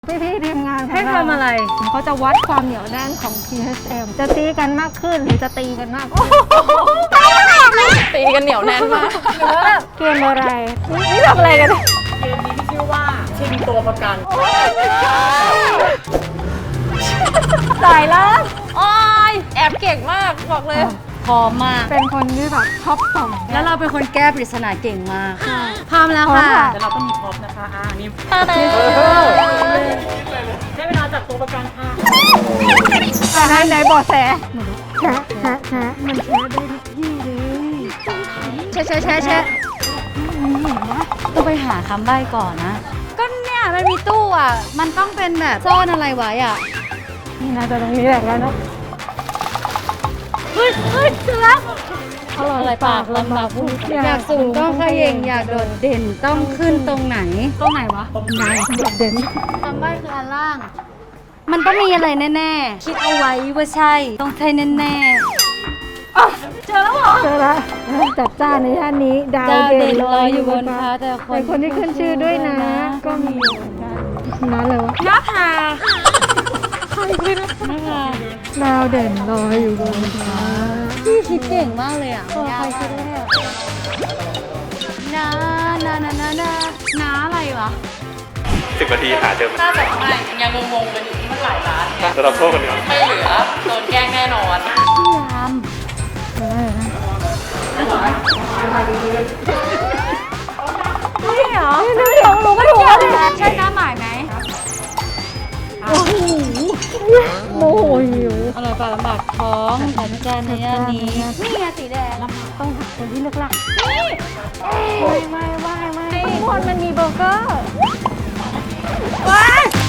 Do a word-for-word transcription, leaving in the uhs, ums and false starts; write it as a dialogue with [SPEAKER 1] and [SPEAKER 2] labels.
[SPEAKER 1] พี่พี่ทีมงานของ
[SPEAKER 2] ให้ทำอะไร
[SPEAKER 1] เขาจะวัดความเหนียวแน่นของ พี เอช เอ็ม จะตีกันมากขึ้นหรือจะตีกันมากขึ้น
[SPEAKER 2] ตีกันเหนียวแน่นมาก
[SPEAKER 1] หรือว่าแบบเกมอะไรนี่ทำอะไรกันเนี่ย
[SPEAKER 3] เกมนี้ที่ชื่อว่าชิงตัวประกัน
[SPEAKER 1] สายล่าง
[SPEAKER 2] โอ้ยแอบเก่งมากบอกเลย
[SPEAKER 4] พร้อมมาก
[SPEAKER 1] เป็นคนที่แบบชอบส่อง
[SPEAKER 4] แล้วเราเป็นคนแก้ปริศนาเก่งมาก พร้อมแล้ว
[SPEAKER 1] พร้อม
[SPEAKER 4] ค่ะ
[SPEAKER 1] ค่ะ
[SPEAKER 3] แต่เราต้องมีพร็อพนะคะอ่านี่
[SPEAKER 4] ตาเต้
[SPEAKER 3] ใช้เวลาจับตัวประกันค่ะ
[SPEAKER 1] อ่ะไหนไหนบอกแสแชะแชะแชะมันแชะได้ทุกที่เลย
[SPEAKER 4] แชะแชะแชะแชะต้องไปหาคำใบ้ก่อนนะ ก็เนี่ยมันมีตู้อ่ะ มันต้องเป็นแบบซ่อนอะไรไว้อ่ะ
[SPEAKER 1] นี่น่าจะตรงนี้แหละแล้วเนาะ
[SPEAKER 4] เฮ้ยเฮ้ยเจอแล้ว
[SPEAKER 1] อร่อยปากลำบากผู้
[SPEAKER 4] อยากสูงต้องเขย่งอยากโดดเด่นต้องขึ้นตรงไหน ตรงไหนวะ
[SPEAKER 1] นายโดดเด่น
[SPEAKER 4] คำใบ้คืออันล่าง มันต้องมีอะไรแน่ๆ คิดเอาไว้ว่าใช่ ต้องใช่แน่ๆ เจอแล้วเหรอ
[SPEAKER 1] เจอละจัดจ้านในย่านนี้ ดาว
[SPEAKER 4] ดาว
[SPEAKER 1] เด่
[SPEAKER 4] เด่
[SPEAKER 1] น
[SPEAKER 4] น
[SPEAKER 1] ล
[SPEAKER 4] ล
[SPEAKER 1] อ
[SPEAKER 4] อย ย
[SPEAKER 1] อ
[SPEAKER 4] อยู่ ยู่
[SPEAKER 1] บบ น
[SPEAKER 4] น
[SPEAKER 1] ฟ้า
[SPEAKER 4] ฟ้าแต่
[SPEAKER 1] แต่คนที่ขึ้นชื่อด้วยนะ ก็มีอยู่เหมือนกันนั่นเลยวะ
[SPEAKER 4] น้าผา
[SPEAKER 1] น้าดาวเด่นลอยอยู่บนฟ้า
[SPEAKER 4] พี่คิดเก่งมากเลยอ่ะ
[SPEAKER 1] เออใครคิดได้อะ
[SPEAKER 4] น้าน้าน้าน้าน้าน้าอะไรวะ
[SPEAKER 5] สิบนาทีหาเจอมัน
[SPEAKER 2] น่าจะไม่ยังงงๆกันอยู่ที่มันหลายร้าน
[SPEAKER 5] จะรับโทษกันดีกว่า
[SPEAKER 2] ไม่เหลือโดนแกล้งแน่นอน
[SPEAKER 4] พี่ยาม
[SPEAKER 1] เออนะ
[SPEAKER 4] นี่เหรอ
[SPEAKER 1] นี่เดี๋ยวรู้ก็ถูกแล้วเนี่ย
[SPEAKER 4] ใช่น้าหมายไหม
[SPEAKER 1] โอ้โหโมโหหิว
[SPEAKER 4] อร่อยปากลำบากท้องจัดจานในย่านนี้ นี่ไงสีแดง
[SPEAKER 1] ต้องหาคนที่เลือกหลักไม่ไม่ไม่ไม่ข้างบนมันมีเบอร์เกอร์ว้าย